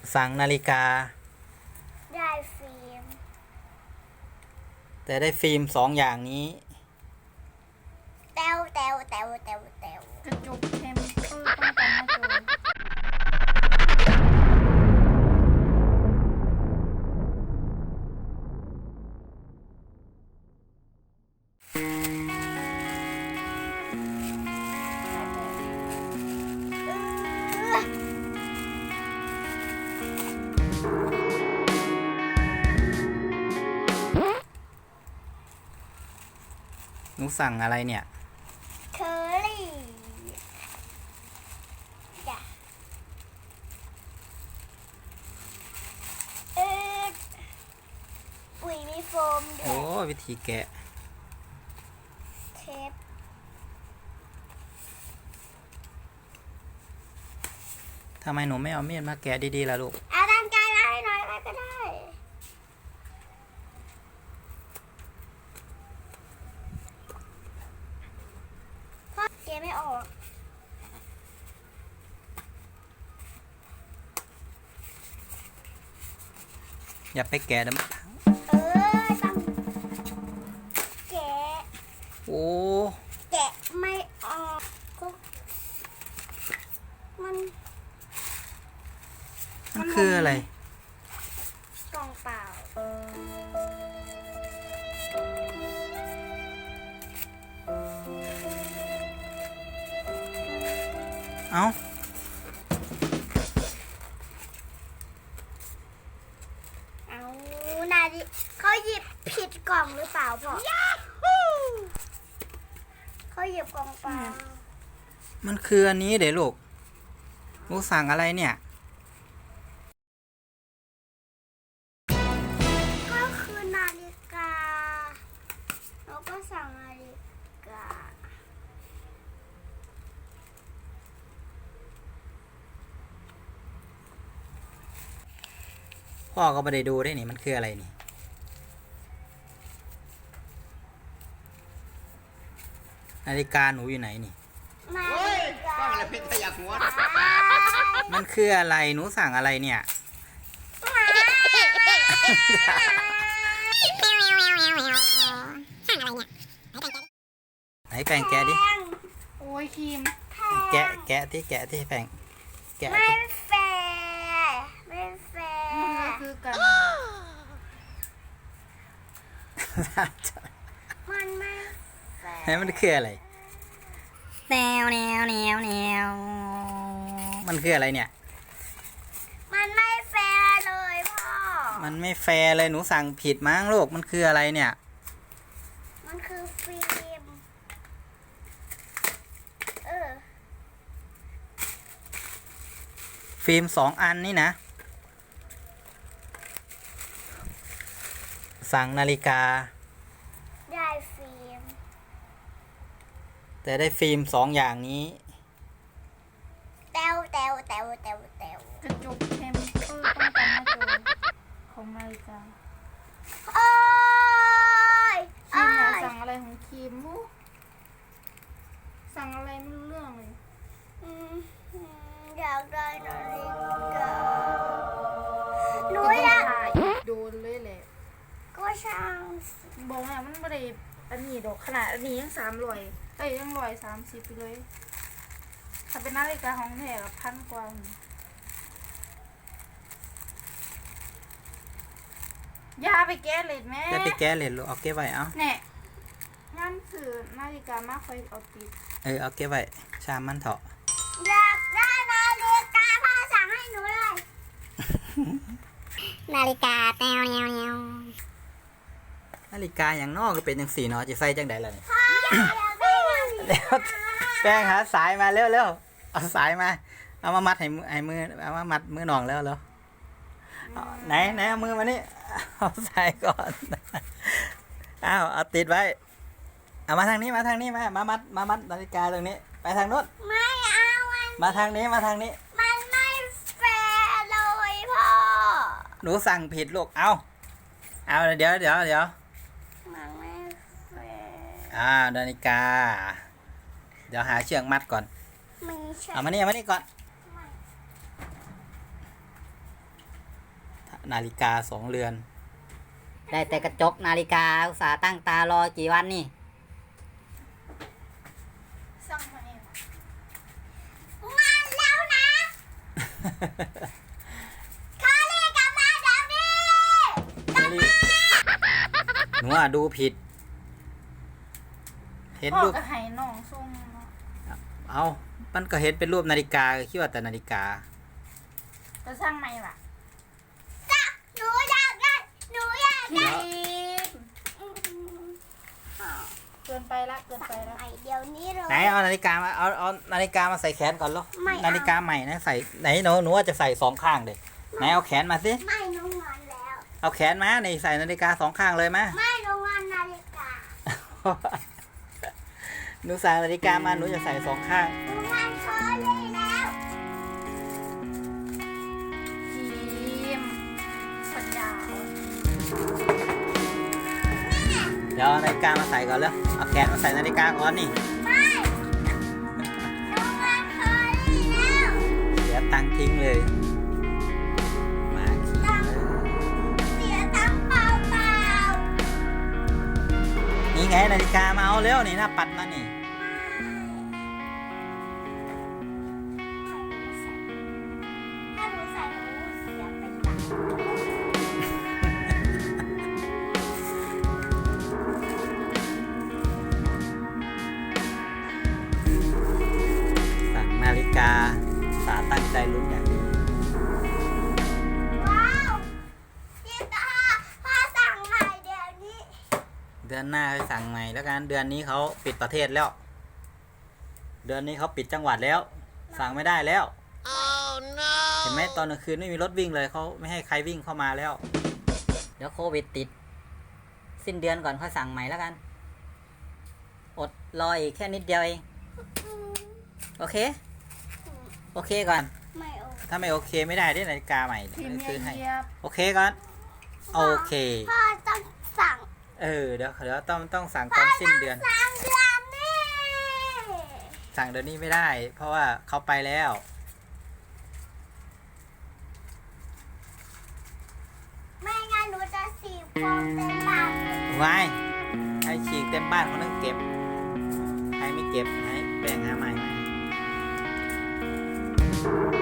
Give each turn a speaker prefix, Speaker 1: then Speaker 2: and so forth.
Speaker 1: สั่งนาฬิกา
Speaker 2: ได้ฟิล์ม
Speaker 1: แต่ได้ฟิล์ม2 อย่างนี้
Speaker 2: แต้วแต้วแต้วแต้วแต้ว
Speaker 3: กระจกเทมเปอร์ป้องกันหน้าจอ
Speaker 1: หนูสั่งอะไรเนี่ย
Speaker 2: เคอรี่จ้ะเออปุ๋ยมีโฟมด้ว
Speaker 1: โอ้
Speaker 2: ย
Speaker 1: วิธีแกะ
Speaker 2: เทป
Speaker 1: ทำไมหนูไม่เอามีดมาแกะดีๆล่ะลูก
Speaker 2: เอาด้านไกลมาให้หน่อยอะไรก็ได้พ่อเกไม่ออก
Speaker 1: อย่าไปแกะนะ
Speaker 2: ต้องแกะ
Speaker 1: โอ้
Speaker 2: แกะไม่ออกก็มัน
Speaker 1: มันคืออะไร
Speaker 2: กล่องเปล่า
Speaker 1: เอ้า
Speaker 2: เอานาดิเขาหยิบผิดกล่องหรือเปล่าพ่อเขาหยิบกล่องเปล่า
Speaker 1: มันคืออันนี้เดี๋ยวลูกหนูสั่งอะไรเนี่ย
Speaker 2: ก็คือนาฬิกาแล้วก็สั่งนาฬิกา
Speaker 1: พ่อก็ไม่ได้ดูได้นี่มันคืออะไรนี่ นาฬิกาหนูอยู่ไหนนี่
Speaker 2: นาฬิกา
Speaker 4: ฟังแล้วเป็นขยะหัว
Speaker 1: มันคืออะไรหนูสั่งอะไรเนี่ยไหนแปรงแกะดิ
Speaker 3: โอ้ยครีม
Speaker 1: แกะที่แปรงแกะ
Speaker 2: ไม่
Speaker 1: ที่
Speaker 2: แฟร์ไม่แฟ
Speaker 3: มันก็
Speaker 2: ร์
Speaker 3: คือกัน
Speaker 2: มันไม่แฟร์
Speaker 1: ไหนมันคืออะไรแนวมันคืออะไรเนี่ย
Speaker 2: มันไม่แฟร์เลยพ่อ
Speaker 1: มันไม่แฟร์เลยหนูสั่งผิดมั้งลูกมันคืออะไรเนี่ย
Speaker 2: มันคือฟิล์ม
Speaker 1: ฟิล์ม2 อันนี่นะ สั่งนาฬิกา
Speaker 2: ได้ฟิล์ม
Speaker 1: แต่ได้ฟิล์ม2 อย่างนี้
Speaker 2: แต้วแต้วแต้วแต้วแต้ว
Speaker 3: กระจกเทมเปอร์ป้องกันหน้าจอของนาฬิกา
Speaker 2: โอ้ย
Speaker 3: ครีมเนี่ย
Speaker 2: โอ้ย
Speaker 3: สั่งอะไรของครีมมูสั่งอะไรไม่รู้เรื่องเลย
Speaker 2: อืมอยากได้นาฬิกาหนู
Speaker 3: ก็
Speaker 2: อยาก
Speaker 3: ถ่ายโดนเลยแหละ
Speaker 2: ก็ช่างสิ
Speaker 3: บอกว่ามันไม่ได้อันนี้ดอกขนาดอันนี้ยัง300ยัง130ไปเลยถ้าเป็นนาฬิกาของแท้กับ1,000 กว่าอย่าไปแก้เลยแม่
Speaker 1: จะไปแก้เลยลูกเอาเก็บไว้เอา
Speaker 3: เนี่ยงั้นสื่อนาฬิกามาคอยเอาติด
Speaker 1: เอาเก็บไว้ชามมันเถอะ
Speaker 2: อยากได้นาฬิกาพ่อสั่งให้หนูเลย นาฬิกาแต้วแนวแนว
Speaker 1: นาฬิกาอย่างนอกก็เป็นจังสี่เนาะจะใส่จังใดล่ะนี่
Speaker 2: พ่ออยากได้นาฬิกา
Speaker 1: แล้วแป้งหาสายมาเร็วเอาสายมาเอามามัดให้มือเอามามัดมือหนองแล้วเอาไหนเอามือมานี่เอาสายก่อนเอาติดไว้เอามาทางนี้มามัดนาฬิกาตรงนี้ไปทางโน้น
Speaker 2: ไม่เอามัน
Speaker 1: มาทางนี้
Speaker 2: มันไม่แฟร์เลยพ่อ
Speaker 1: หนูสั่งผิดลูกเอาเดี๋ยว
Speaker 2: มันไม่แฟร์
Speaker 1: นาฬิกา เดี๋ยวหาเชือกมัดก่อน
Speaker 2: ไม่ใช่
Speaker 1: เอามานี่ก่อนนาฬิกา2 เรือน
Speaker 4: ได้แต่กระจกนาฬิกาอุตส่าห์ตั้งตารอกี่วันนี่
Speaker 3: สั่งมาเอง
Speaker 2: มาแล้วนะคารีกลับมาเดี๋ยวนี้
Speaker 1: หนูดูผิด เห็น
Speaker 3: พ่อ
Speaker 1: รูป
Speaker 3: ก็ให้น้องส่งเนาะ
Speaker 1: เอามันก็เห็นเป็นรูปนาฬิกาคิดว่าแต่นาฬิกา
Speaker 3: จะสั่งไหมล่ะ
Speaker 2: หนูอยากได้หนูอยาก
Speaker 3: ที
Speaker 2: ได้
Speaker 3: เกินไปละเกินไปละ
Speaker 2: ไอเดี๋ยวนี้เลย
Speaker 1: ไหนเอานาฬิกามาเอานาฬิกามาใส่แขนก่อนเหรอ
Speaker 2: ไม่เอา
Speaker 1: นาฬิกาใหม่นะใส่ไหนหนูว่าจะใส่2 ข้างเด็ไหนเอาแขนมาสิ
Speaker 2: ไม่หนูงอนแล้ว
Speaker 1: เอาแขนมานี่ใส่นาฬิกา2 ข้างเลยมา
Speaker 2: ไม่หนูงอนนาฬิกา
Speaker 1: หนูใส่นาฬิกามาหนูจะใส่2 ข้าง
Speaker 2: หนูงอนคารีแล้ว
Speaker 3: ทีมปัญญาอ่อน
Speaker 1: เดี๋ยวเอานาฬิกามาใส่ก่อนเลยเอาแขนมาใส่นาฬิกาก่อนนี่
Speaker 2: ไม่หนูงอนคารีแล้ว
Speaker 1: เดี๋ยวตังค์ทิ้งเลยมาขี้เลย
Speaker 2: เสียตังค์เปล่า
Speaker 1: นี่ไงนาฬิกามาเอาเร็วนี่หน้าปัดมานี่
Speaker 2: ถ้าหนูใส่หนูเสียเป็นตังค์
Speaker 1: สั่งนาฬิกาสาตั้งใจลุ้นอย่างนี้
Speaker 2: ว้าวพี่ตาพ่อสั่งใหม่เดี๋ยวนี้
Speaker 1: เดือนหน้าไปสั่งใหม่แล้วกันเดือนนี้เขาปิดประเทศแล้ว เดือนนี้เขาปิดจังหวัดแล้ว สั่งไม่ได้แล้ว เห็นไหมตอนกลางคืนไม่มีรถวิ่งเลยเขาไม่ให้ใครวิ่งเข้ามาแล้ว
Speaker 4: เดี๋ยวโควิดติด สิ้นเดือนก่อนค่อยสั่งใหม่แล้วกัน อดรออีกแค่นิดเดียวเอง โอเค โอเคก่อน
Speaker 2: ไม่โอ
Speaker 1: ถ้าไม่โอเคไม่ได้ได้นาฬิกาใหม่
Speaker 3: ทีม
Speaker 1: ซื้อให้
Speaker 3: เยียบ
Speaker 1: โอเคก่อนโอเค
Speaker 2: พ่อต้องสั่ง
Speaker 1: เดี๋ยวต้องสั่งตอนสิ้นเดือน
Speaker 2: สั่งเดือนนี้
Speaker 1: สั่งเดือนนี้ไม่ได้ เพราะว่าเขาไปแล้ว
Speaker 2: ไม่งั้นหนูจะสีบฟองเต็มปากเลย
Speaker 1: วายให้ฉีกเต็มบ้านเขาต้องเก็บใครไม่เก็บให้แบ่งหาใหม่